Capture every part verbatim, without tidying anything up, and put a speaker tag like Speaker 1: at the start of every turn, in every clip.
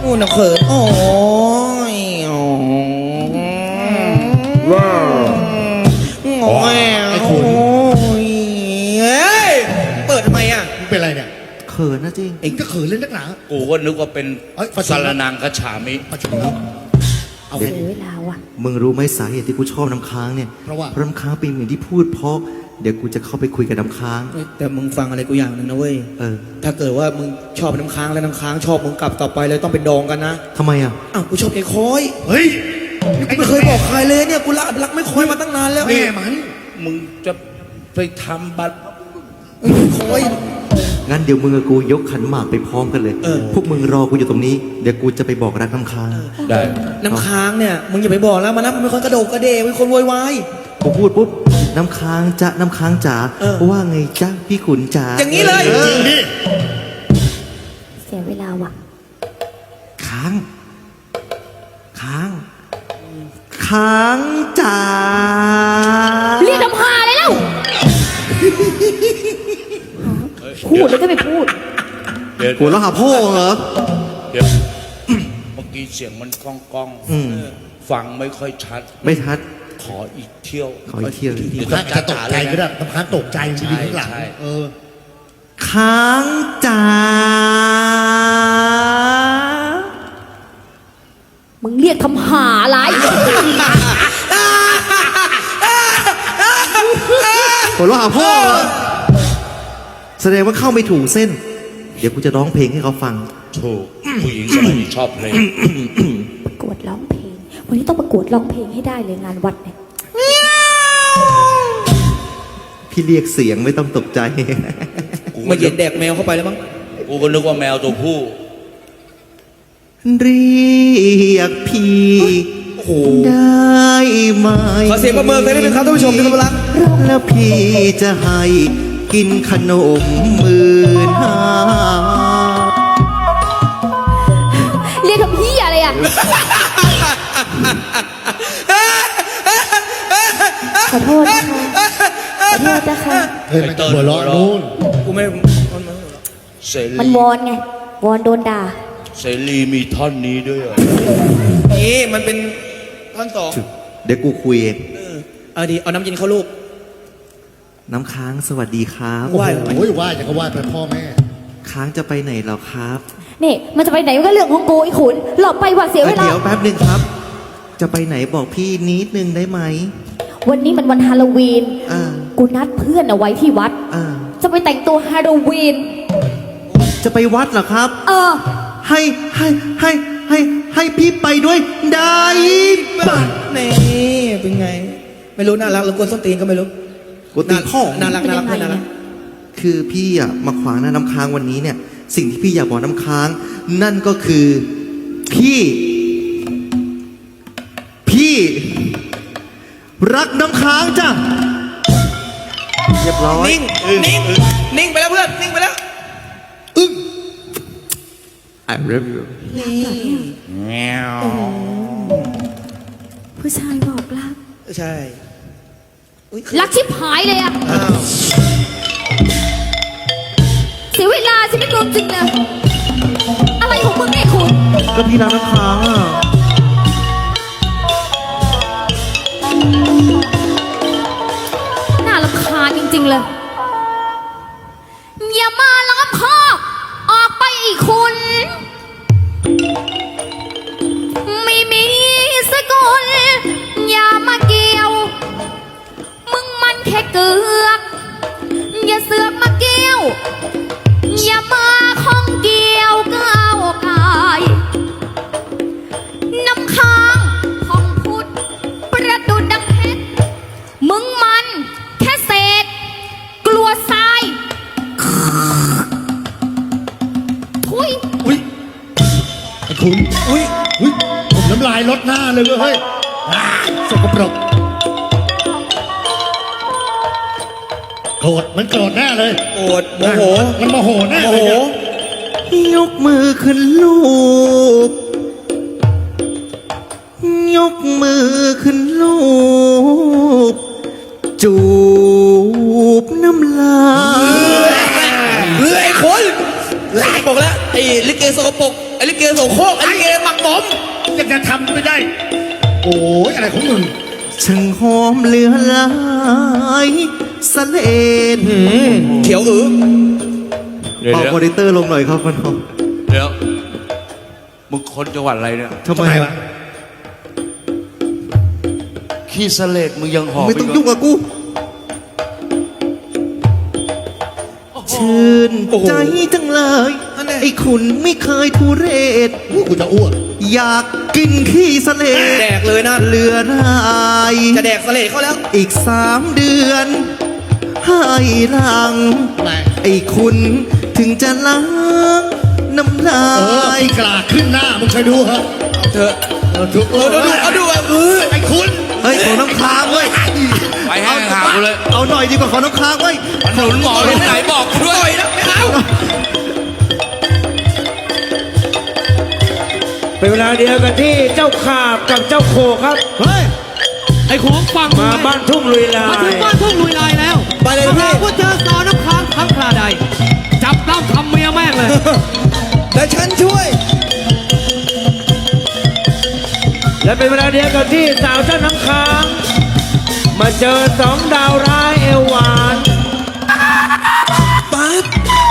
Speaker 1: กูน่ะเขินโอ้ยว้าวโอ้ยไอ้คุณเฮ้ยเปิดทำไมอ่ะมึงเป็นอะไรเนี่ย
Speaker 2: เขินนะจริง
Speaker 1: เอ็งก็เขินเล่นนักหนา
Speaker 3: กูก็นึกว่าเป็นสารนางคฉามิ
Speaker 1: เอา
Speaker 4: เสียเวลาว่ะ
Speaker 2: มึงรู้ไหมสาเหตุที่กูชอบน้ำค้างเนี่ย
Speaker 1: เพราะว่า
Speaker 2: เพราะน้ำค้างเป็นเหมือนที่พูดเพราะเดี๋ยวกูจะเข้าไปคุยกับน้ำค้าง
Speaker 1: แต่มึงฟังอะไรกูอย่างหนึ่งนะเว้ย
Speaker 2: เออ
Speaker 1: ถ้าเกิดว่ามึงชอบน้ำค้างแล้วน้ำค้างชอบมึงกลับต่อไปเลยต้องเป็นดองกันนะ
Speaker 2: ทำไมอ่ะ
Speaker 1: อ้าวกูชอบไอ้คอยเฮ้ยกูไม่เคยบอกใครเลยเนี่ยกูรักรักไม่คอยมาตั้งนานแล้ว
Speaker 3: แม่มันมึงจะไปทำบัตร
Speaker 1: คอย
Speaker 2: งั้นเดี๋ยวมึงกับกูยกขันหมากไปพร้อมกันเลยพวกมึงรอกูอยู่ตรงนี้เดี๋ยวกูจะไปบอกรักน้ำค้าง
Speaker 3: ได้
Speaker 1: น้ำค้างเนี่ยมึงอย่าไปบอกแล้วมันนะมันเป็นคนกระโดดกระเดเป็นคนโวยวาย
Speaker 2: กูพูดปุ๊บน้ำค้างจะน้ำค้างจ๋าว่าไงจ๊ะพี่ขุนจ๋า
Speaker 1: อย่างนี้เลยจริงดิ
Speaker 4: เสียเวลาว่ะ
Speaker 2: ค้างค้างค้างจ๋า
Speaker 4: เรียกน้ำพาเลยแล้วพูดแล้วก็ไม่พูด
Speaker 2: เดี๋ยวกูแล้วหาพ่อเหรอ
Speaker 3: เดี๋ยวเมื่อกี้เสียงมันก้องก้องฟังไม่ค่อยชัด
Speaker 2: ไม่ชัด
Speaker 3: ขออีกเที่ยว
Speaker 2: ขออีกเที่ยว
Speaker 1: น้ำค้างจะตกใจก็ได้น้ำค้างตกใจจริงๆข้างหลังเออ
Speaker 2: ค้างจ๋า
Speaker 4: มึงเรียกทำหาอะไร
Speaker 2: ผมร้องหาพ่อแสดงว่าเข้าไม่ถูกเส้นเดี๋ยวกูจะร้องเพลงให้เขาฟัง
Speaker 3: ถูกผู้หญิงสมัยนี้ชอบเพลง
Speaker 4: ประกวดร้องเพลงวันนี้ต้องประกวดร้องเพลงให้ได้เลยงานวัดเนี่ย
Speaker 2: พี่เรียกเสียงไม่ต้องตกใจ
Speaker 1: มาเย็นแดกแมวเข้าไปแล้วมั้ง
Speaker 3: กูก็นึกว่าแมวตัวผู้
Speaker 2: เรียกพี่ได้ไหม
Speaker 1: ขอเสียงประเมินกันนิดนึงครับท่านผู้ชมที่เคารพรัก
Speaker 2: แล้วพี่จะให้กินขนมหมื่นห้า
Speaker 4: เรียกทำพี่อะไรอ่ะขอโทษนะคะขอโทษนะคะ
Speaker 1: เฮ้ยมันหัวเราะนู่นกูไม่
Speaker 4: มันวอนไงวอนโดนด่า
Speaker 3: เสรีมีท่อนนี้ด้วยเหรอ
Speaker 1: นี่มันเป็นท่อนสอง
Speaker 2: เดี๋ยวกูคุยเอง
Speaker 1: เอาดีเอาน้ำเย็นเข้าลูก
Speaker 2: น้ำค้างสวัสดีครับ
Speaker 1: ไหว้โอ้ยไหว้จะก็ไหว้เป็นพ่อแม่
Speaker 2: ค้างจะไปไหนเหรอครับ
Speaker 4: นี่มันจะไปไหนก็เรื่องของกูไอ้ขุนหลบไปว่าเสียเวลา
Speaker 2: เดี๋ยวแป๊บนึงครับจะไปไหนบอกพี่นิดนึงได้ไหม
Speaker 4: วันนี้มันวันฮาโลวีนกูนัดเพื่อนเอาไว้ที่วัดจะไปแต่งตัวฮาโลวีน
Speaker 2: จะไปวัดเหรอครับ
Speaker 4: เออ
Speaker 2: ให้ให้ให้ให้ให้พี่ไปด้วยได้ป่ะ
Speaker 1: นี่เป็นไงไม่รู้น่ารักหรือกวนส้นตีนก็ไม่รู้
Speaker 2: กูตีพ่อ
Speaker 1: น่ารักน่ารักน่ารัก
Speaker 2: คือพี่อ่ะมาขวางหน้าน้ำค้างวันนี้เนี่ยสิ่งที่พี่อยากบอกน้ำค้างนั่นก็คือพี่พี่รักน้ำค้างจ้ะเรียบร้อย
Speaker 1: นิ่งนิ่งนิ่งไปแล้วเพื่อนนิ่งไปแล้ว
Speaker 2: อึ้ง I love you
Speaker 3: แงว
Speaker 4: ผู้ชายบอกรัก
Speaker 1: ใช่
Speaker 4: รักชิบหายเลยอะเสียเวลาฉันไม่กลัวจริงนะอะไรของมึงเนี่ยคุณ
Speaker 2: ก็พี่รักน้ำค้างอ่ะ
Speaker 4: น่ารำคาญจริงๆเลยอย่ามาล้อมคอกออกไปอีกคุณไม่มีสกุลอย่ามาเกี่ยวมึงมันแค่เกือกอย่าเสือกมาเกี่ยวอย่ามาข้องเกี่ยวก้าวกายน้ำค้างห้องพุทธประดุดดังเพชรมึงมันแค่เศษกลัวทรายทุย
Speaker 1: อุ้ยไอ้คุณอุ้ยอุ้ยผมน้ำลายลดหน้าเลยเว้ยสกปรกโกรธมันโกรธแน่เลยโกรธโมโหมันโมโหแน่โมโห
Speaker 2: ยกมือขึ้นลูบยกมือขึ้นลูบจูบน้ำลาย
Speaker 1: เฮ้ยไอ้คนบอกแล้วไอ้ลิเกสกปรกไอ้ลิเกโสโครกไอ้ลิเกหมักหมม
Speaker 3: ยังจะทำไม่ได้ โอ้ยอะไรของมึง
Speaker 2: ช่างหอมเหลือหลายสะเลน
Speaker 1: เขียวอือ
Speaker 3: เดี๋ยว
Speaker 2: เป่า
Speaker 3: เดี๋ยว
Speaker 2: มอนิเตอร์ลงหน่อยครับมัน
Speaker 3: เดี๋ยวมึงคนจังหวัดอะไรเนี่ย
Speaker 2: ทำไมวะ
Speaker 3: ขี้เสลดมึงยังหอม
Speaker 2: ไม่ต้อง
Speaker 3: ก
Speaker 2: ยุ่งกับกูชื่นใจจังเลยไอ้คุณไม่เคยทุเรศ
Speaker 3: กูจะอ้วก
Speaker 2: อยากกินขี้สะเลด
Speaker 1: แดกเลยนะ
Speaker 2: เหลือราย
Speaker 1: จะแดกเสลดเขาแล้ว
Speaker 2: อีกสามเดือน ให้หลัง
Speaker 3: อะไร
Speaker 2: ไอ้คุณถึงจะล้างน้ำลา
Speaker 3: เออย กลาขึ้นหน้ามึงเคยดูเหรอ
Speaker 1: เธอ
Speaker 3: เออดู
Speaker 1: เออดูดูเอาดูเอาเออ
Speaker 3: ไอ้คุณ
Speaker 2: เฮ้ยของน้ำค้างเว้ย
Speaker 3: ไปให้ห่างกูเลย
Speaker 2: เอาหน่อยดีกว่าของน้ำค้างเว้ย
Speaker 3: หนุนหมอที่ไหนบอกกูด้วย
Speaker 1: นะไม่เอา
Speaker 5: เป็นเวลาเดียวกันที่เจ้าขาบกับเจ้าโคครับ
Speaker 6: เฮ้ย ไอ้ของฟัง
Speaker 5: มาบ้านทุ่งลุยลา
Speaker 6: มาถึ
Speaker 5: ย
Speaker 6: งบ้านทุ่งลุยลายแล้ว
Speaker 1: ไปเลยนะพี่
Speaker 6: ถ้าว่าเจอสาวน้ำค้างทั้งคราใด จับล่ำทำเมียแม่งเลย
Speaker 1: เดี๋ยวฉันช่วย
Speaker 5: และเป็นเวลาเดียวกันที่สาวเจ้าน้ำค้าง มาเจอสองดาวร้ายเอวหวาน
Speaker 1: ปั๊บ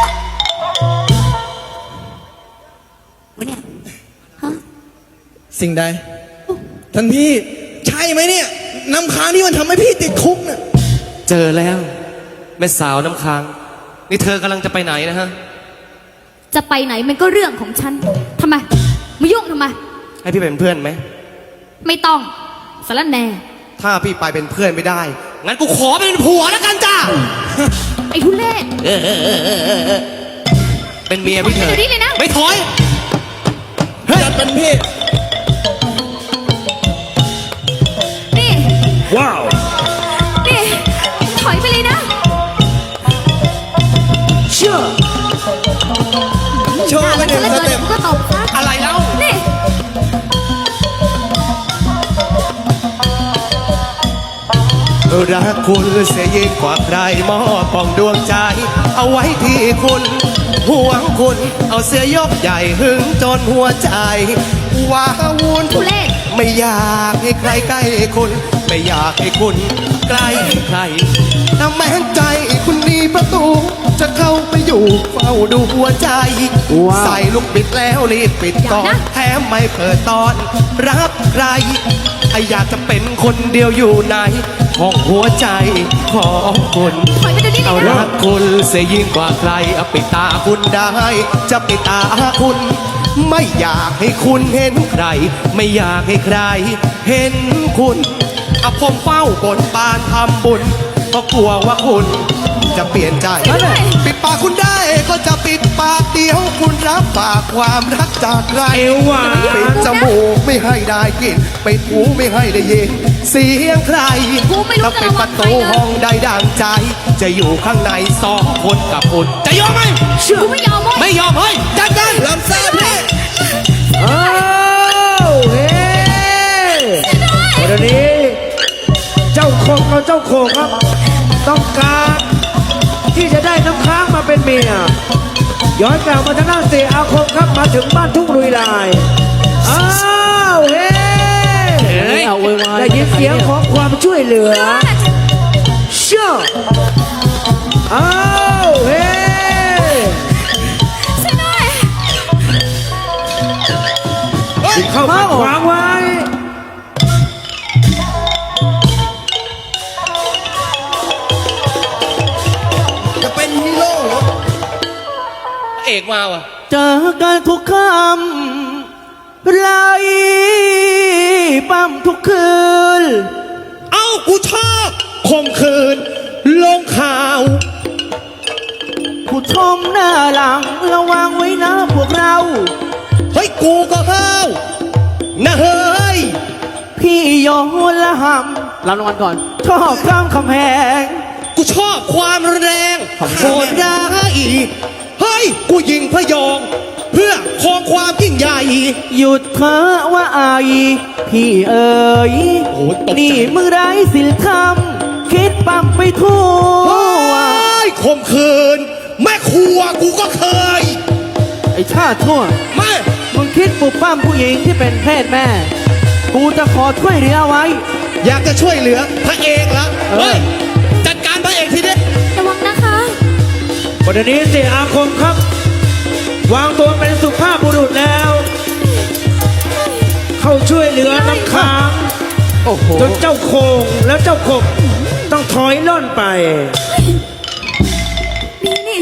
Speaker 1: สิ่งใด ท่านพี่ ใช่ไหมเนี่ย น้ำค้างที่มันทำให้พี่ติดคุกน่ะ
Speaker 7: เจอแล้วแม่สาวน้ำค้าง นี่เธอกำลังจะไปไหนนะฮะ
Speaker 4: จะไปไหนมันก็เรื่องของฉันทำไมมายุ่งทำไม
Speaker 7: ให้พี่เป็นเพื่อนไหม
Speaker 4: ไม่ต้องสารแหน่
Speaker 7: ถ้าพี่ไปเป็นเพื่อนไม่ได้ งั้นกูขอเป็นผัวแล้วกันจ้า
Speaker 4: ไอ้ทุเรศ
Speaker 7: เป็นเมียพี่เถ
Speaker 4: ถอยไป
Speaker 7: อะ
Speaker 4: เดี๋ยวนี้เลยนะ
Speaker 7: ไม่ถอย
Speaker 1: เฮ้ยท่านพี่
Speaker 4: นี่
Speaker 5: ว้าว
Speaker 4: นี่ถอยไปเลยนะ
Speaker 5: เชื่อ
Speaker 1: โชว์ไปหนึ่งสเต็ป
Speaker 4: ก็ตบซะ
Speaker 7: อะไรแล้ว
Speaker 4: นี่
Speaker 7: รักคุณเสียยิ่งกว่าใครมอบปองดวงใจ เอาไว้ที่คุณห่วงคุณ เอาเสื้อยกใหญ่หึงจนหัวใจว้าวุ่น
Speaker 4: ทุเรศ
Speaker 7: ไม่อยากให้ใครใกล้คุณ ไม่อยากให้คุณใกล้ใครถ้าแม้ใจคุณมีประตู จะเข้าไปอยู่เฝ้าดูหัวใจ
Speaker 5: ว้าว
Speaker 7: ใส่ลูกบิดแล้วรีบปิดก่อน
Speaker 4: อย่านะ
Speaker 7: แถมไม่เปิดตอน รับใครไออยากจะเป็นคนเดียวอยู่ในห้องหัวใจของคุณ
Speaker 4: ถอยไปเดี๋ยวนี้เล
Speaker 7: เอา
Speaker 4: ยนะ
Speaker 7: รักคุณเสียยิ่งกว่าใครเอาปิดตาคุณได้ จะปิดตาคุณ ไม่อยากให้คุณเห็นใคร ไม่อยากให้ใคร เห็นคุณเอาผมเฝ้าบนบานทำบุญเพราะกลัวว่าคุณจะเปลี่ยนใจ ปิดปากคุณได้ก็จะปิดปากเดียวคุณรับปากความรักจากใคร
Speaker 5: เอวหวาน
Speaker 7: ปิดจมูกไม่ให้ได้กลินปิดหูไม่ให้ได้ยินเสียงใคร
Speaker 4: กูไม่รู้
Speaker 7: ถ้า
Speaker 4: จะ
Speaker 7: เป็น
Speaker 4: ระ
Speaker 7: ป
Speaker 4: วั
Speaker 7: ระ
Speaker 4: งใคร
Speaker 7: ตู
Speaker 4: เล
Speaker 7: ห้อย งใดดังใจ จะอยู่ข้างในสองคนกับคุณจะยอมไหม
Speaker 4: กูไม่ยอมเว้ย
Speaker 7: ไม่ยอมเฮ้ยจัดการ
Speaker 1: ลำซ่าพี่
Speaker 5: อ้าวเฮ้วันนี้ เจ้าโคงกับเจ้าโคงครับ ต้องการที่จะได้น้ำค้างมาเป็นเมีย ย้อนกลับมาทางด้านเสียอาคมครับมาถึงบ้านทุ่งลุยลาย อ้าวเฮ้
Speaker 6: เฮ้ยเอาโวยวาย
Speaker 5: ได้ยินเสียงของความช่วยเหลือ เชื่ออ้าวเฮ้
Speaker 4: ช่วยหน่อย
Speaker 5: เข้ามาขวางไว้
Speaker 1: จะเป็นฮีโร่เหรอ
Speaker 7: เอกมาว่ะ
Speaker 2: เจอกันทุกคำไรปั๊มทุกคืน
Speaker 7: เอ้ากูชอบคมคืน ลงข่าว
Speaker 2: ผู้ชมหน้าหลังระวังไว้นะพวกเรา
Speaker 7: เฮ้ยกูก็ห้าวนะเฮ้ย
Speaker 2: พี่โยนละห
Speaker 6: รับรางวัลก่อน
Speaker 2: ำชอบข้ามคำแหง
Speaker 7: กูชอบความแรงโหดร้ายเฮ้ย กูยิงพยอง เพื่อครองความยิ่งใหญ่
Speaker 2: หยุดเถอะว่าอายพี่เอ๋ย
Speaker 7: โอ้ยตกใจ
Speaker 2: นี่มึงไร้ศีลธรรม คิดปั๊มไปทั่ว
Speaker 7: เฮ้ยข่มขืน แม่ครัวกูก็เคย
Speaker 2: ไอ้ชาติทั่ว
Speaker 7: แม่
Speaker 5: คุณคิดปลุกปั้มผู้หญิงที่เป็นเพศแม่ กูจะขอช่วยเหลือไว้
Speaker 2: อยากจะช่วยเหลือพระเอกเหรอ
Speaker 5: เออ
Speaker 2: เฮ้ย จัดการพระเอกทีเดียว
Speaker 4: ระวังนะคะ
Speaker 5: วันนี้เสียอาคมครับ วางตัวเป็นสุภาพบุรุษแล้ว เข้าช่วยเหลือน้ำค้าง
Speaker 2: โอ้โห
Speaker 5: จนเจ้าโคงและเจ้าขบต้องถอยล่นไป
Speaker 4: นี่นี่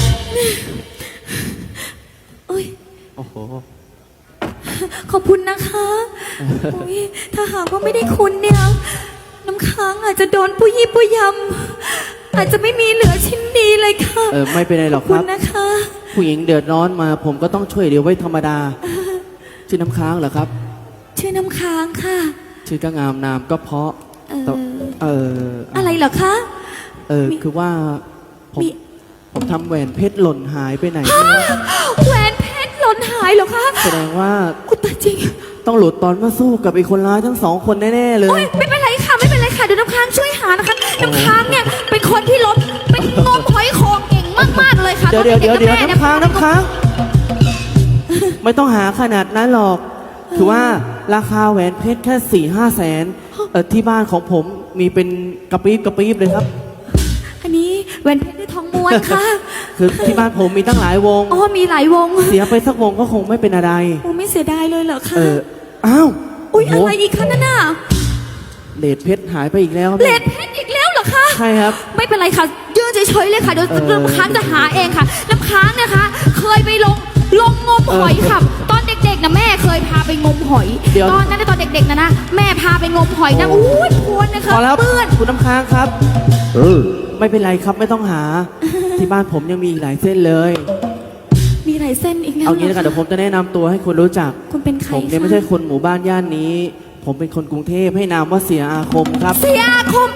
Speaker 4: โอ้ย
Speaker 2: โอ้โห
Speaker 4: ขอบคุณนะคะโอ้ยถ้าหากว่าไม่ได้คุณเนี่ย น้ำค้างอาจจะโดนปุยยี่ปุยยำอาจจะไม่มีเหลือชิ้นดีเลยค่ะ
Speaker 8: เออไม่เป็นไรหรอก
Speaker 4: ข
Speaker 8: ค
Speaker 4: คุ
Speaker 8: รั
Speaker 4: ณ
Speaker 8: บ
Speaker 4: นะคะ
Speaker 8: ผู้หญิงเดือดร้อนมา ผมก็ต้องช่วยเหลือไว้ธรรมดา ชื่อน้ำค้างเหรอครับ
Speaker 4: ชื่อน้ำค้างค่ะ
Speaker 8: ชื่อก็งามนามก็เพราะ
Speaker 4: เออ
Speaker 8: แต่เออ
Speaker 4: อะไรเหรอคะ
Speaker 8: เออคือว่าผม
Speaker 4: มี
Speaker 8: ผมทำแหวนเพชรหล่นหายไปไหนไม่รู้
Speaker 4: แหวนเพชรหล่นหายเหรอคะ
Speaker 8: แสดงว่า
Speaker 4: อุยตายจริง
Speaker 8: ต้องหลุดตอนมาสู้กับไอ้คนร้ายทั้งสองคนแน่ๆเล
Speaker 4: โอ้
Speaker 8: ย
Speaker 4: ยไม่เป็นไรค่ะไม่เป็นไรค่ะเดี๋ยวน้ำค้างช่วยหานะคะน้ำค้างเนี่ยเป็นคนที่ลบเป็นงมหอยโขงเก่งมากๆเลยค่ะ
Speaker 8: เดี๋ยวเดี๋ยวเดี๋ยวเดี๋ยว
Speaker 4: ตอ
Speaker 8: น้ำค้างน้ำค้าง ไม่ต้องหาขนาดนั้นหรอก คือว่าราคาแหวนเพชรแค่สี่ห้าแสนเออที่บ้านของผมมีเป็นกระปี๊บกระปี๊บเลยครับ
Speaker 4: อันนี้แหวนเพชรด้วยทองม้วนค่ะ
Speaker 8: คือที่บ้านผมมีตั้งหลายวง
Speaker 4: อ๋อมีหลายวง
Speaker 8: เสียไปสักวงก็คงไม่เป็นอะไร
Speaker 4: โอ้ไม่เสียดายเลยเหรอคะ
Speaker 8: เออ อ้าว
Speaker 4: อุ้ย
Speaker 8: โโห
Speaker 4: อะไรอีกคะนั่นน่ะ
Speaker 8: เลดเพชรหายไปอีกแล้วครับ
Speaker 4: เลดเพชรอีกแล้วเหรอคะ
Speaker 8: ใช่ครับ
Speaker 4: ไม่เป็นไรค่ะยืนเฉยๆเลยค่ะเดี๋ยว
Speaker 8: เออ
Speaker 4: น้ำค้างจะหาเองค่ะน้ำค้างนะคะ เคยไปลงลงงมหอยค่ะ ตอนเด็กๆนะแม่เคยพาไปงมหอย
Speaker 8: เดี๋ยว
Speaker 4: ตอนนั้นนะตอนเด็กๆนะนะแม่พาไปงมหอยนะอุ้ยพวนนะคะ
Speaker 8: พอแล้ว
Speaker 4: เปื้อน
Speaker 8: คุณน้ำค้างครับไม่เป็นไรครับไม่ต้องหา ที่บ้านผมยังมีอีกหลายเส้นเลย
Speaker 4: มีหลายเส้นอีกแล้ว
Speaker 8: เอางี้แล้วกัน
Speaker 4: หร
Speaker 8: เดี๋ยวผมจะแนะนำตัวให้คุณรู้จัก
Speaker 4: คุณเป็นใคร
Speaker 8: ผมเนี่ย
Speaker 4: คะ
Speaker 8: ไม่ใช่คนหมู่บ้านย่านนี้ ผมเป็นคนกรุงเทพให้นามว่าเสียอาคมครับ
Speaker 4: เสียอาคม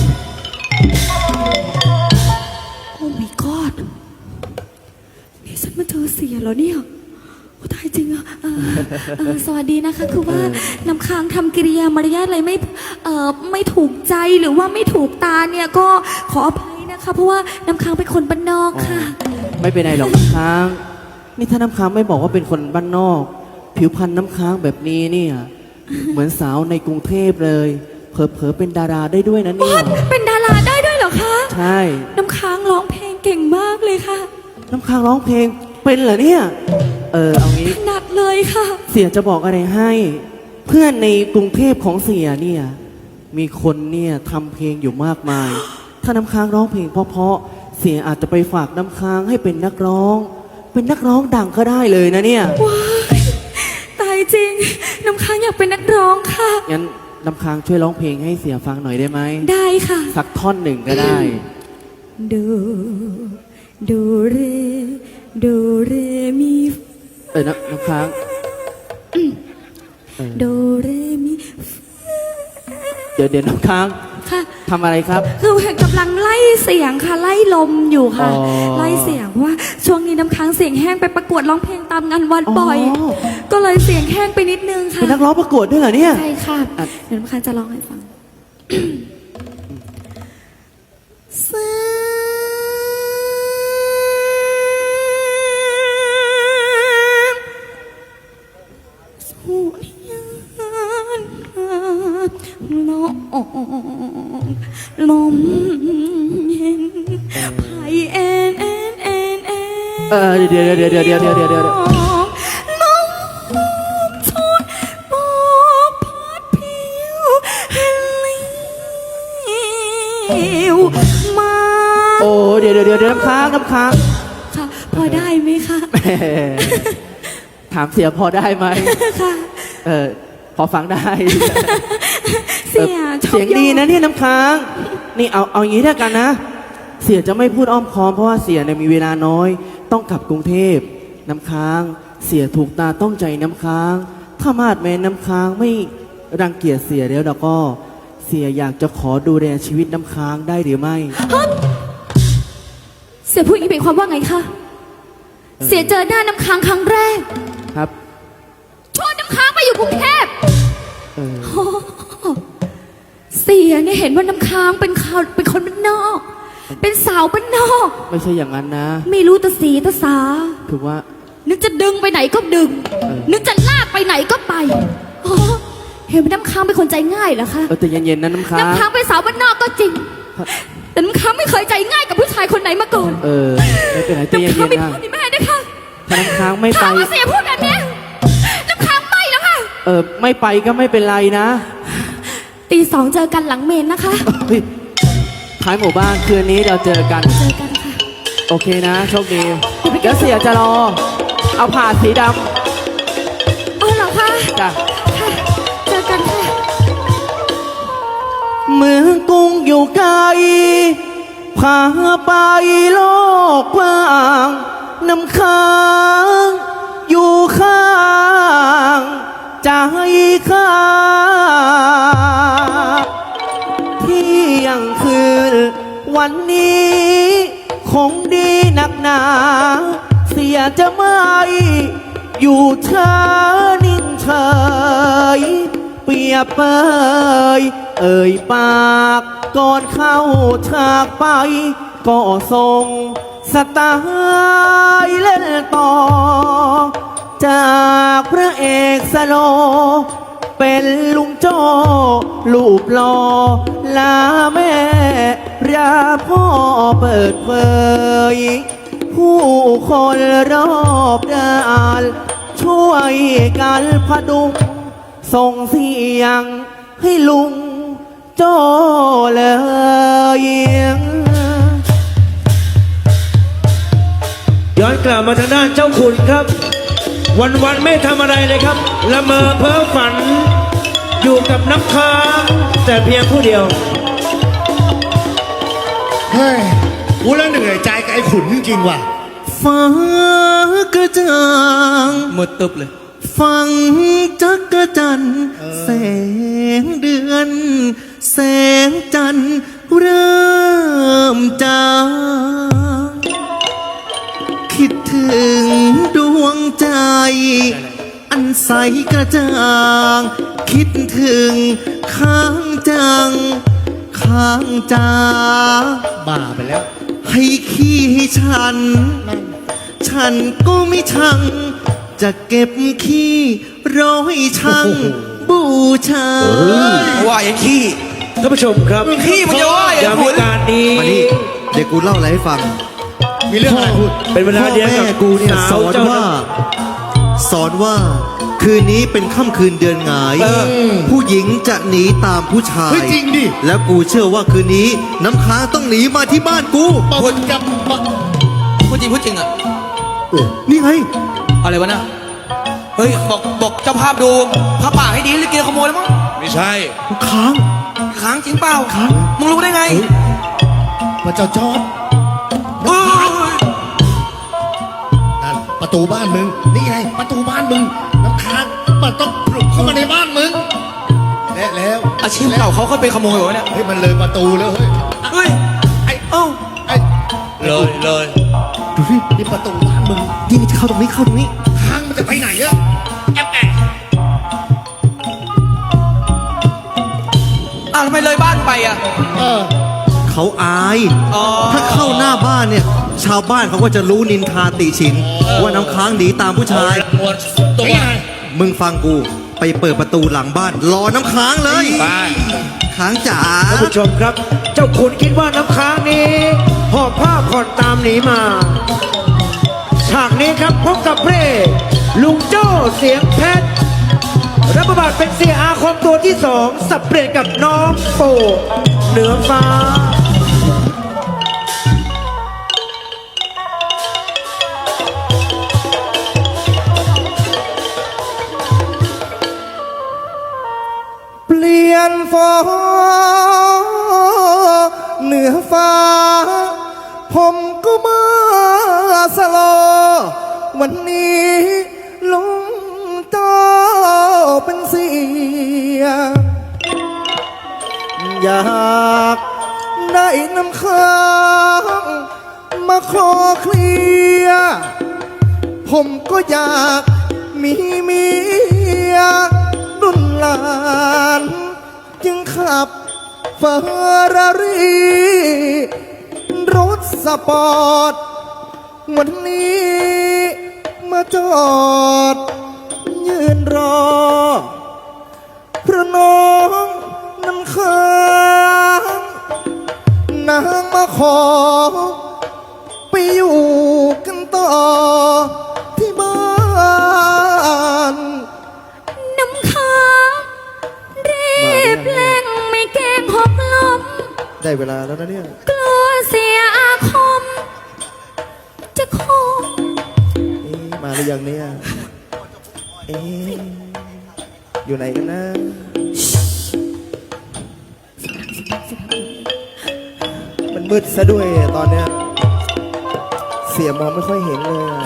Speaker 4: โอ้ my god นี่ฉันมาเจอเสียแล้วเนี่ยโอ้ตายจริงอะเออเออสวัสดีนะคะ คือว่าน้ำค้างทำกิริยามารยาทอะไรไม่เอ่อไม่ถูกใจหรือว่าไม่ถูกตาเนี่ยก็ขออภัยนะคะ เพราะว่าน้ำค้างเป็นคนบ้านนอกค่ะ
Speaker 8: ไม่เป็นไรหรอกน้ำค้าง นี่ถ้าน้ำค้างไม่บอกว่าเป็นคนบ้านนอก ผิวพรรณน้ำค้างแบบนี้เนี่ย เหมือนสาวในกรุงเทพเลย เผลอๆเป็นดาราได้ด้วยนะเนี่ย
Speaker 4: เป็นดาราได้ด้วยเหรอคะ
Speaker 8: ใช่
Speaker 4: น้ำค้างร้องเพลงเก่งมากเลยค่ะ
Speaker 8: น้ำค้างร้องเพลงเป็นเหรอเนี่ย เออเอางี้
Speaker 4: ถนัดเลยค่ะ
Speaker 8: เสียจะบอกอะไรให้ เพื่อนในกรุงเทพของเสียเนี่ย มีคนเนี่ยทำเพลงอยู่มากมาย ถ้าน้ำค้างร้องเพลงเพราะๆเสียอาจจะไปฝากน้ำค้างให้เป็นนักร้อง เป็นนักร้องดังก็ได้เลยนะเนี่ย
Speaker 4: ว้ายตายจริง น้ำค้างอยากเป็นนักร้องค่ะ
Speaker 8: งั้นน้ำค้างช่วยร้องเพลงให้เสียฟังหน่อยได้ไหม
Speaker 4: ได้ค่ะ
Speaker 8: สักท่อนหนึ่งก็ได้
Speaker 4: ดูดูเรดูเรมี
Speaker 8: เออน้ำน้ำค้าง
Speaker 4: ดูเรมี
Speaker 8: เดี๋ยวเดี๋ยวน้ำค้าง
Speaker 4: ค่ะ
Speaker 8: ทำอะไรครับ
Speaker 4: คือกำลังไล่เสียงค่ะ ไล่ลมอยู่ค่ะ
Speaker 8: อ๋อ
Speaker 4: ไล่เสียงเพราะว่าช่วงนี้น้ำค้างเสียงแห้งไปประกวดร้องเพลงตามงานวัดบ่อย
Speaker 8: อ๋อ
Speaker 4: ก็เลยเสียงแห้งไปนิดนึงค่ะ
Speaker 8: เป็นนักร้องประกวดด้วยเหรอเนี่ย
Speaker 4: ใช่ค่ะ
Speaker 8: อ่ะ
Speaker 4: เดี๋ยวน้ำค้างจะร้องให้ฟังเสียง สุริยานลมลมเย็นไผ่แอนแอนแอนแอน
Speaker 8: เออเดี๋ยวเดี๋ยวเดี๋ยวเดี๋ยวเดี๋ยวเดี๋ยวเดี๋ยว
Speaker 4: ลมชนบอกพัดผิวเลี้ยวมา
Speaker 8: โอ้เดี๋ยวเดี๋ยวเดี๋ยวเดี๋ยวน้ำค้างน้ำค้าง
Speaker 4: ค่ะ พอได้ไหมคะ
Speaker 8: แหมถามเสียพอได้ไหม
Speaker 4: ค่ะ
Speaker 8: เออพอฟังได้
Speaker 4: เสียชอบ
Speaker 8: เสียงดีนะเนี่ยน้ำค้าง นี่เอาเอาอย่างนี้แล้วกันนะ เสียจะไม่พูดอ้อมค้อมเพราะว่าเสียเนี่ยมีเวลาน้อย ต้องกลับกรุงเทพน้ำค้าง เสียถูกตาต้องใจน้ำค้าง ถ้ามาดแม้น้ำค้างไม่รังเกียจเสียแล้วแล้วก็ เสียอยากจะขอดูแลชีวิตน้ำค้างได้หรือไม่
Speaker 4: เสียพูดอย่างนี้เป็นความว่าไงคะ เสียเจอหน้าน้ำค้างครั้งแรก
Speaker 8: ครับ
Speaker 4: ชวนน้ำค้างไปอยู่กรุงเทพ
Speaker 8: เออ
Speaker 4: โอ้เสียเนี่ยเห็นว่าน้ำค้างเป็นเขาเป็นคนบ้านนอก เป็นสาวบ้านนอก
Speaker 8: ไม่ใช่อย่างนั้นนะ
Speaker 4: ไม่รู้ตาสีตาสา
Speaker 8: คือว่า
Speaker 4: นึกจะดึงไปไหนก็ดึง นึกจะลากไปไหนก็ไปโอ้เห็นไหมน้ำค้างเป็นคนใจง่ายเหรอคะ
Speaker 8: เออแต่เย็นๆนะน้ำค้าง
Speaker 4: น้ำค้างเป็นสาวบ้านนอกก็จริง แต่น้ำค้างไม่เคยใจง่ายกับผู้ชายคนไหนมาก่อน
Speaker 8: เออไม่เป็นไรใจ
Speaker 4: น้ำ
Speaker 8: เย็
Speaker 4: ค้าง
Speaker 8: น
Speaker 4: ไม่
Speaker 8: ๆนะ
Speaker 4: พูดนี่แม่นะคะ
Speaker 8: ถ้าน้ำค้างไม่ไป
Speaker 4: ถามว่าเสียพูดแบบเนี้ยน้ำค้างไม่แล้วค่ะ
Speaker 8: เออไม่ไปก็ไม่เป็นไรนะ
Speaker 4: ตีสองเจอกันหลังเมนนะคะ
Speaker 8: เฮ้ยท้ายหมู่บ้านคืนนี้เราเจอกัน
Speaker 4: เจอกันค่ะ
Speaker 8: โอเคนะโชคดีเดี๋ยวเสียจะรอ เอาผ่าสีด
Speaker 4: อ๋อเหรอคะ
Speaker 8: ำจ้ะ
Speaker 4: ค่ะเจอกันค่ะ
Speaker 8: เมืองกรุงอยู่ไกลพาไปโลกกว้างน้ำค้างอยู่ข้างใจข้าเที่ยงคืนวันนี้คงดีหนักหนา เสียจะไม่อยู่เธอนิ่งเฉยเปรียบเปยเอ่ยปากก่อนเข้าฉากไป ก็ทรงสไตล์เล่นต่อ จากพระเอกสโล เป็นลุงโจ้ลูกหล่อลาแม่ราพ่อเปิดเผย ผู้คนรอบด้านช่วยกันพดุงส่งเสียงให้ลุงโจ้เลย
Speaker 5: ย้อนกลับมาทางด้านเจ้าขุนครับ วันๆไม่ทำอะไรเลยครับละเมอเพ้อฝัน อยู่กับน้ำค้างแต่เพียงผู้เดียว
Speaker 1: เฮ้ยกูแล้วเหนื่อยใจกับไอ้ขุนจริงๆว่ะ
Speaker 2: ฟ้ากระจ่าง
Speaker 7: มืดตึบเลย
Speaker 2: ฟังจักรจันทร์แสงเดือน แสงจันทร์เริ่มจางคิดถึงดวงใจ อันใสกระจ่าง คิดถึงค้างจัง ค้างจา
Speaker 1: บ้าไปแล้ว
Speaker 2: ให้ขี้ให้ฉัน ฉันก็ไม่ชัง จะเก็บขี้ร้อยชัง บูชา
Speaker 7: ว่าไอ้ขี้
Speaker 5: ท่านผู้ชมครับ
Speaker 7: ขี้มันจะว่าอย่าง
Speaker 5: ยามวิการนี้
Speaker 2: มานี่เดี๋ยวกูเล่าอะไรให้ฟัง
Speaker 1: มีเรื่องอะไรพูด
Speaker 5: เป็นเวลา
Speaker 2: พ่อ
Speaker 5: เดียวกับ
Speaker 2: แม่กูเนี่ย
Speaker 5: สา
Speaker 2: ส
Speaker 5: ว
Speaker 2: อน
Speaker 5: เจ้า
Speaker 2: ว่า สอนว่า คืนนี้เป็นค่ำคืนเดือนหงาย ผู้หญิงจะหนีตามผู้ชาย
Speaker 1: เฮ้ยจริงดิ
Speaker 2: แล้วกูเชื่อว่าคืนนี้ น้ำค้างต้องหนีมาที่บ้านกู
Speaker 1: พูดกับ
Speaker 7: พูดจริงพูดจริงอะ
Speaker 2: เออนี่ไง
Speaker 7: อะไรวะน่ะเฮ้ยบอกบอกเจ้าภาพดูผ้าป่าให้ดีลิเกขโมยแล้วมั้ง
Speaker 3: ไม่ใช่
Speaker 2: ค้าง
Speaker 7: ค้างจริงเปล่าค้างมึงรู้ได้ไง
Speaker 1: พระเจ้าจอด
Speaker 7: เฮ้ย
Speaker 1: นั่นประตูบ้านมึง นี่ไง ประตูบ้านมึง น้ำค้างมันต้องปลุกเข้ามาในบ้านมึง และแล้ว
Speaker 7: อาชีพเก่าเขาเคยไปขโมยเหรอเนี่ย
Speaker 1: เฮ้ยมันเลยประตูแล้วเฮ้ย
Speaker 7: เฮ้ย
Speaker 1: ไอ้
Speaker 7: เอ้า
Speaker 1: ไอ้
Speaker 3: เลยเลย
Speaker 2: ดูดิ
Speaker 1: นี่ประตูบ้านมึง
Speaker 2: นี่มันจะเข้าตรงนี้เข้าตรงนี้
Speaker 1: ทางมันจะไปไหนอะแอบแอบ
Speaker 7: อ้าวทำไมเลยบ้านไปอ่ะ
Speaker 1: เออ
Speaker 2: เขาอาย
Speaker 7: อ๋อ
Speaker 2: ถ้าเข้าหน้าบ้านเนี่ย ชาวบ้านเขาก็จะรู้นินทาติฉิน ว่าน้ำค้างหนีตามผู้ชาย
Speaker 1: มวนตัวไง
Speaker 2: มึงฟังกู ไปเปิดประตูหลังบ้าน รอน้ำค้างเลย
Speaker 3: ไป
Speaker 2: ค้างจ๋า
Speaker 5: ท่านผู้ชมครับ เจ้าขุนคิดว่าน้ำค้างนี้หอบผ้าผ่อนตามหนีมา ฉากนี้ครับพบกับเพระเอกลุงโจ้เสียงเพชรรับบทบาทเป็นเสียอาคมตัวที่สองสับเปลี่ยนกับน้องโปเหนือฟ้า
Speaker 2: เปลี่ยนฟองเหนือฟ้า ผมก็มาสโลวันนี้ลุงโตเป็นเสีย อยากได้น้ำค้างมาขอเคลียร์ผมก็อยากมีเมียรุ่นหลาน จึงขับเฟอร์รารี่รถสปอร์ตวันนี้มาจอด ยืนรอเพราะน้องน้ำค้างนางมาขอ ไปอยู่กันต่อที่บ้าน
Speaker 4: น้ำค้างรีบเร่งไม่เกรงหกล้ม
Speaker 2: ได้เวลาแล้วนะเนี่ย
Speaker 4: กลัวเสียอาคม จะคง
Speaker 2: เอ๊ะมาหรือยังเนี่ย เอ๊ะอยู่ไหนกันนะ มันมืดซะด้วยตอนเนี้ย เสียมองไม่ค่อยเห็นเลยอะ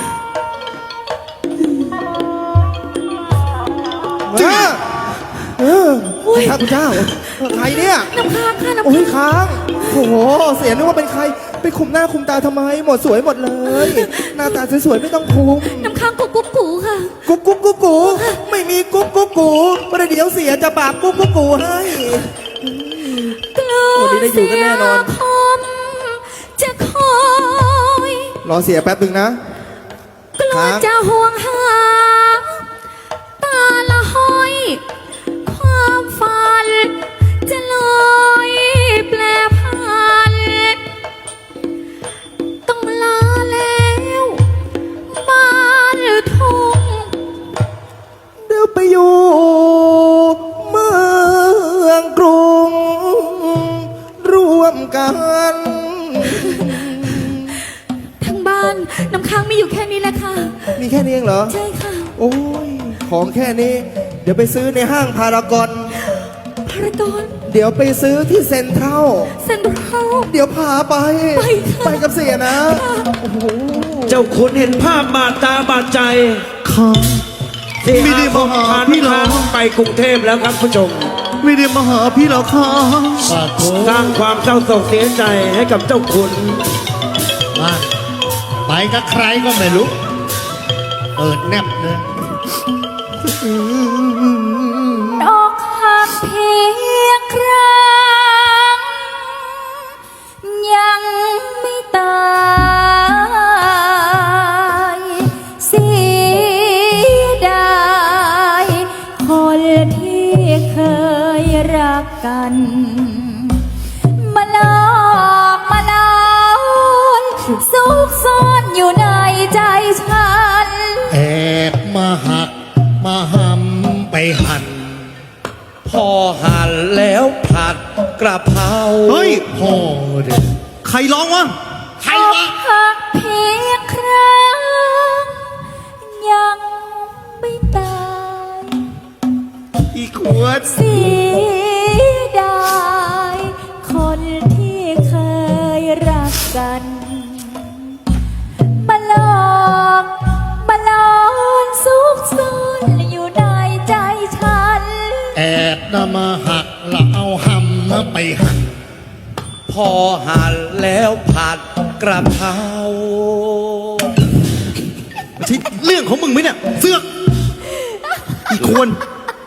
Speaker 2: มาเออพระคุณเจ้า ใครเนี่ย
Speaker 4: น้ำค้างค่ะน้ำ
Speaker 2: โอ้ยค้าง โอ้โห เสียนึกว่าเป็นใคร ไปคุมหน้าคุมตาทำไม หมดสวยหมดเลย หน้าตาสวยๆไม่ต้องคุม
Speaker 4: น้ำค้างกุ๊กกุ๊กกูค่ะ
Speaker 2: กุ๊กกุ๊กกุ๊กกูไม่มีกุ๊กกุ๊กกูประเดี๋ยวเสียจะปราบกุ๊กกุ๊กกูให้
Speaker 4: กลัว
Speaker 2: วันนี้ได้อยู่กันแน่นอน
Speaker 4: เสียคมจะคอย
Speaker 2: รอเสียแป๊บหนึ่งนะ
Speaker 4: กลัว
Speaker 2: ค้าง
Speaker 4: จะห่วงหา ตาละห้อย ความฝัน จะลอยแปรพัน ต้องลาแล้วบ้านทุ่ง
Speaker 2: เดี๋ยวไปอยู่เมืองกรุง ร่วมกัน
Speaker 4: ทั้งบ้านน้ำค้างมีอยู่แค่นี้แหละค่ะ
Speaker 2: มีแค่นี้เองเหรอ
Speaker 4: ใช่ค่ะ
Speaker 2: โอ้ย ของแค่นี้ เดี๋ยวไปซื้อในห้างพารากอน
Speaker 4: พารากอน
Speaker 2: เดี๋ยวไปซื้อที่เซ็นทรัล
Speaker 4: เซ็นทรัล
Speaker 2: เดี๋ยวพาไป
Speaker 4: ไปค่ะ
Speaker 2: ไปกับเสียนะ โอ้โห
Speaker 5: เจ้าคุณเห็นภาพบาดตาบาดใจ
Speaker 9: ครับ
Speaker 5: เสีย
Speaker 9: ไม่ได้
Speaker 5: อาค
Speaker 9: มาม หา
Speaker 5: พา
Speaker 9: พี่
Speaker 5: น้ำ
Speaker 9: หรอ
Speaker 5: ค้างไปกรุงเทพแล้วครับผู้ชม
Speaker 9: ไม่ได้มาหาพี่หรอกครับ
Speaker 5: สร้างความเศร้าโศกเสียใจให้กับเจ้าคุณ
Speaker 9: มาไปกับใครก็ไม่รู้ เปิดแนบเลย
Speaker 4: ดอกหักเพียงครั้ง ยังไม่ตายเสียดายคนที่เคยรักกัน มาหลอกมาหลอนซุกซ่อนอยู่ในใจฉัน
Speaker 9: แอบมาหักมาหำไปหั่น
Speaker 3: พอหั่นแล้วผัดกระเพรา
Speaker 9: เฮ้ยพ่อเด็กใครร้องวะ
Speaker 3: ใครวะ
Speaker 4: หักเพียงครั้ง ยังไม่ตาย
Speaker 2: อีขวด
Speaker 4: เสียดายคนที่เคยรักกัน มาหลอกมาหลอนซุกซ่อนอยู่ในใจฉัน
Speaker 9: แอบนำมาหักแล้วเอาหำมาไปหั่น
Speaker 3: พอหั่นแล้วผัดกระเพรา
Speaker 9: ไม่ใช่เรื่องของมึงไหมเนี่ยเสือกอีควร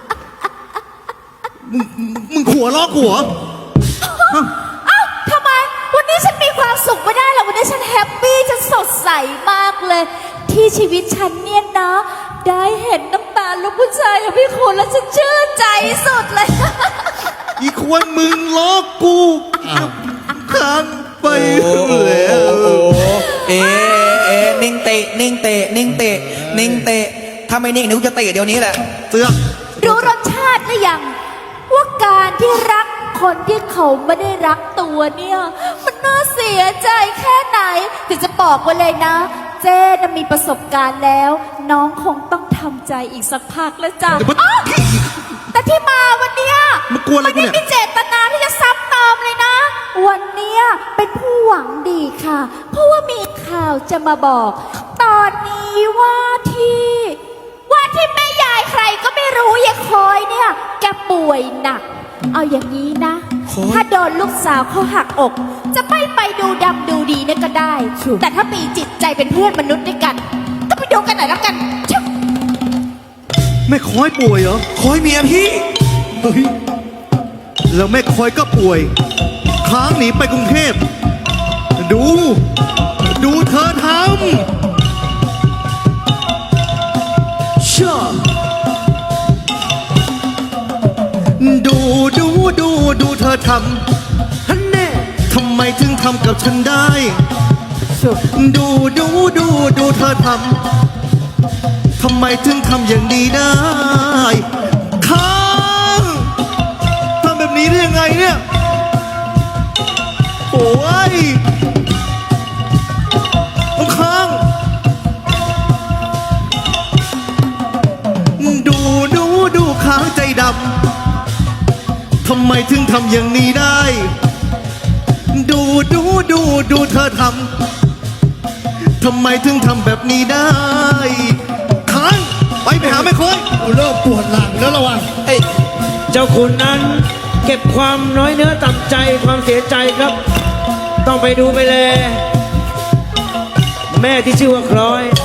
Speaker 9: มึงมึงมึงขัวล้อกูเหรอ
Speaker 4: เอ้าทำไม วันนี้ฉันมีความสุขไม่ได้หรอกวันนี้ฉันแฮปปี้ฉันสดใสมากเลย ที่ชีวิตฉันเนี่ยนะ ได้เห็นน้ำตาลูกผู้ชายของพี่คุณแล้วฉันชื่นใจสุดเลย
Speaker 9: อีควรมึงล้อกูค้างไป
Speaker 1: โอ้โห
Speaker 9: แล้ว
Speaker 1: เอ๊ะเอ๊ะนิ่งเตะนิ่งเตะนิ่งเตะนิ่งเตะถ้าไม่นิ่งเดี๋ยวกูจะเตะเดี๋ยวนี้แหละ
Speaker 9: เสือก
Speaker 4: รู้รสชาติหรือยัง ว่าการที่รักคนที่เขาไม่ได้รักตัวเนี่ย มันน่าเสียใจแค่ไหนแต่จะบอกไว้เลยนะ เจ๊น่ะมีประสบการณ์แล้ว น้องคงต้องทำใจอีกสักพักแล้วจ้ะอ้าวแต่ที่มาวันเนี้ย
Speaker 9: มันกลัวอะไรกู
Speaker 4: ไม่
Speaker 9: เนี่ย
Speaker 4: ได้มีเจตนาที่จะซ้ำเติมเลยนะ วันเนี้ยเป็นผู้หวังดีค่ะ เพราะว่ามีข่าวจะมาบอก ตอนนี้ว่าที่ ว่าที่แม่ยายใครก็ไม่รู้ยายคอยเนี่ย แกป่วยหนัก เอาอย่างนี้นะ ถ้าโดนลูกสาวเขาหักอก จะไม่ไปดูดำดูดีเนี่ยก็ได้ แต่ถ้ามีจิตใจเป็นเพื่อนมนุษย์ด้วยกัน ก็ไปดูกันหน่อยแล้วกันชิบ
Speaker 9: แม่คอยป่วยเหรอ
Speaker 1: คอยเมียพี่
Speaker 9: เฮ้ยแล้วแม่คอยก็ป่วย ค้างหนีไปกรุงเทพ ดู ดูเธอทำ
Speaker 7: อท
Speaker 5: ฮันเน่
Speaker 7: ำทำไมถึงทำกับฉันได้
Speaker 5: สุด
Speaker 7: ดูดูดูดูเธอทำทำไมถึงทำอย่างนี้ได้ค้างทำแบบนี้ได้ยังไงเนี่ยโอ้ยค้างดูดูดูค้างใจดำทำไมถึงทำอย่างนี้ได้ ดูดูดูดูเธอทำทำไมถึงทำแบบนี้ได้ค้างไปไปหาแม่คอย
Speaker 9: กูเริ่มปวดหลังแล้วระวัง
Speaker 5: เจ้าคุณนั้นเก็บความน้อยเนื้อต่ำใจความเสียใจครับ ต้องไปดูไปแลแม่ที่ชื่อว่าคล้อย